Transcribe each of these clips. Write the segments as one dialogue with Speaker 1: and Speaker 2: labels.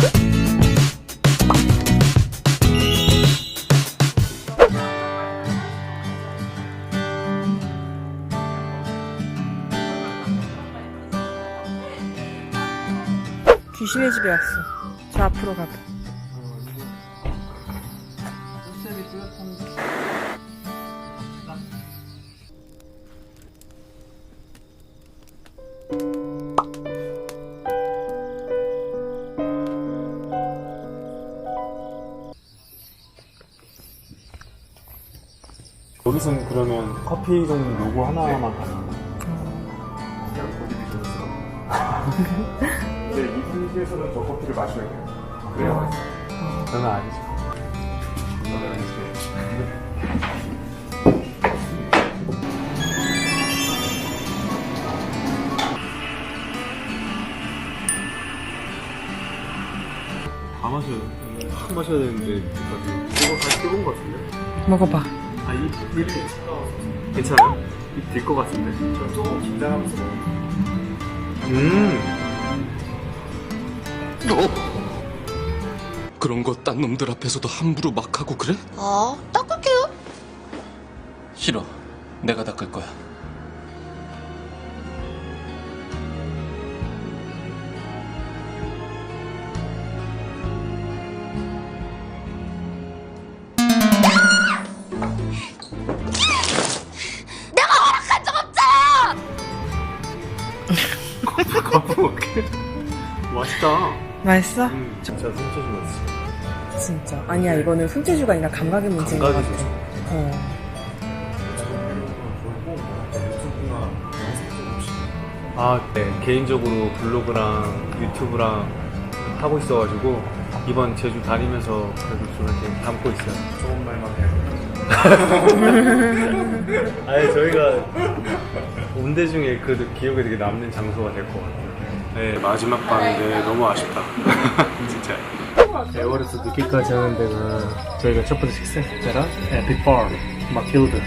Speaker 1: 귀신의 집에 왔어. 저 앞으로 가봐.
Speaker 2: 여기서는 그러면 커피 종류 요거 하나만 가는 거야? 근데 이 분위기에서는 저 커피를 마셔야 돼요. 그래야 맛있어. 저는 아니죠. 저는 아니죠. 다 마셔야 돼. 확 마셔야 되는데 이거 다 뜨거운 것 같은데?
Speaker 1: 먹어봐.
Speaker 2: 아, 입 괜찮아요? 입 될 것 같은데? 저 조금 긴장하면서
Speaker 3: 그런 거 딴 놈들 앞에서도 함부로 막 하고 그래?
Speaker 4: 아, 닦을게요.
Speaker 3: 싫어. 내가 닦을 거야.
Speaker 4: 내가 허락한 적 없잖아!
Speaker 2: 커피 먹게? 맛있다.
Speaker 1: 맛있어?
Speaker 2: 진짜 손재주 맛있어.
Speaker 1: 진짜. 아니야, 이거는 손재주가 아니라 감각의 문제인 것
Speaker 2: 감각이
Speaker 1: 같아.
Speaker 2: 좋죠. 아, 네. 개인적으로 블로그랑 유튜브랑 하고 있어가지고 이번 제주 다니면서 그래도 좀 이렇게 담고 있어요. 좋은 말만 해요. 아니, 저희가 온 데 중에 그래도 기억에 되게 남는 장소가 될 것 같아요. 네, 마지막 밤인데 너무 아쉽다. 진짜.
Speaker 5: 에버레스트 늦게까지 하는 데가 저희가 첫 번째 식사했잖아. 에픽바르, 마틸드.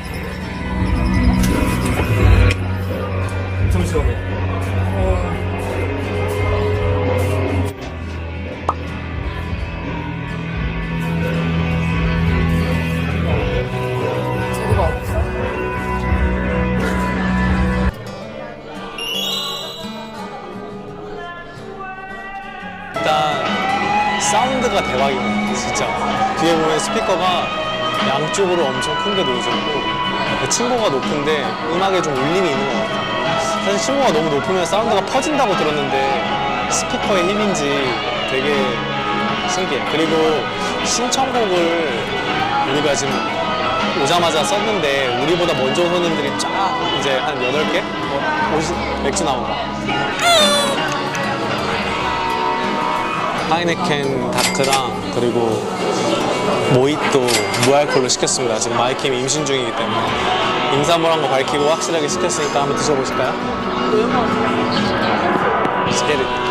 Speaker 5: 엄청 시원해.
Speaker 1: 재료가 없어.
Speaker 6: 일단 사운드가 대박이네 진짜. 뒤에 보면 스피커가 양쪽으로 엄청 큰 게 놓여져 있고 그 층고가 높은데 음악에 좀 울림이 있는 것 같아. 사실 층고가 너무 높으면 사운드가 퍼진다고 들었는데 스피커의 힘인지 되게 신기해. 그리고 신청곡을 우리가 지금 오자마자 썼는데 우리보다 먼저 온 손님들이 쫙 이제 한 8개? 맥주 나온다. 하이네켄 다크랑 그리고 모히또 무알콜로 시켰습니다. 지금 마이킴이 임신 중이기 때문에 임산부란 거 밝히고 확실하게 시켰으니까 한번 드셔보실까요? Let's get it.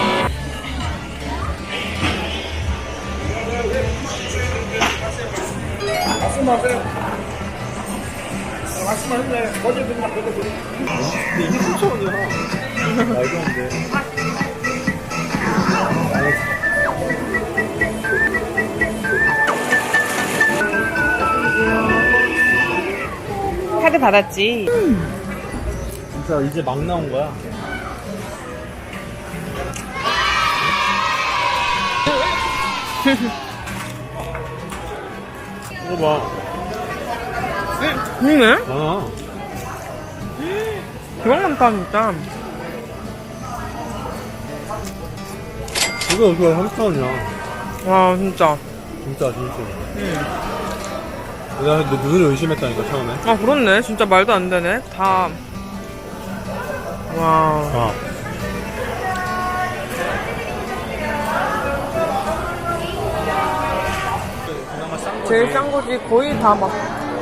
Speaker 1: 카드 받았지.
Speaker 2: 진짜 이제 막 나온 거야. 이거 봐.
Speaker 1: 그러네?
Speaker 2: 아,
Speaker 1: 대박 많다, 진짜.
Speaker 2: 이거 30원이야.
Speaker 1: 와, 진짜.
Speaker 2: 진짜. 내가 눈을 의심했다니까, 처음에.
Speaker 1: 아, 그렇네. 진짜 말도 안 되네. 다. 와.
Speaker 2: 아.
Speaker 1: 제일 싼 거지. 거의 다 막.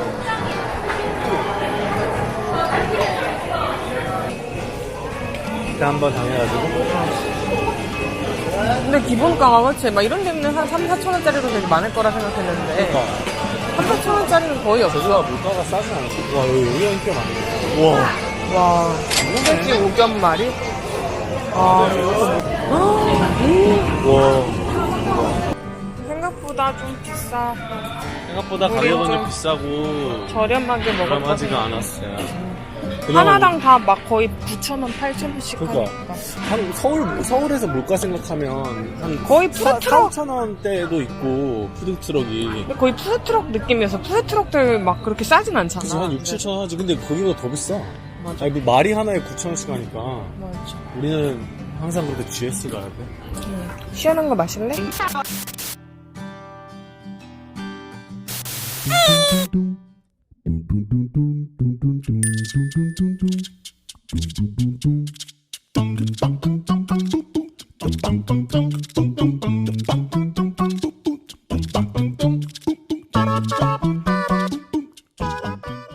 Speaker 2: 그때 한번 당해가지고.
Speaker 1: 근데 기본가가 그치? 막 이런 데는 한 3, 4천원짜리도 되게 많을 거라 생각했는데. 3, 4천원짜리는 거의 없어.
Speaker 2: 제주가 물가가 싸지 않았어. 와, 여기가 인기가 많네. 와.
Speaker 1: 와. 소세지 오겹말이? 아, 이것도
Speaker 2: 와.
Speaker 1: 생각보다 좀 비싸.
Speaker 2: 생각보다
Speaker 1: 우리
Speaker 2: 가격은
Speaker 1: 좀
Speaker 2: 좀 비싸고
Speaker 1: 저렴하게 먹었거든.
Speaker 2: 저렴하지가 않았어요.
Speaker 1: 하나당 다 막 거의 9,000원, 8,000원씩
Speaker 2: 그러니까.
Speaker 1: 하니까.
Speaker 2: 서울에서 물가 생각하면 한
Speaker 1: 거의 푸드트럭.
Speaker 2: 4,000원대도 있고 푸드트럭이
Speaker 1: 근데 거의 푸드트럭 느낌이어서 푸드트럭들 막 그렇게 싸진 않잖아.
Speaker 2: 그래서 한 6, 7천 원 하지. 근데 거기보다 더 비싸.
Speaker 1: 맞아.
Speaker 2: 아니, 뭐 말이 하나에 9,000원씩 하니까
Speaker 1: 맞아.
Speaker 2: 우리는 항상 그렇게 GS 가야 돼.
Speaker 1: 시원한 거 마실래?
Speaker 7: Dum dum dum dum dum dum dum dum dum dum dum dum dum dum dum dum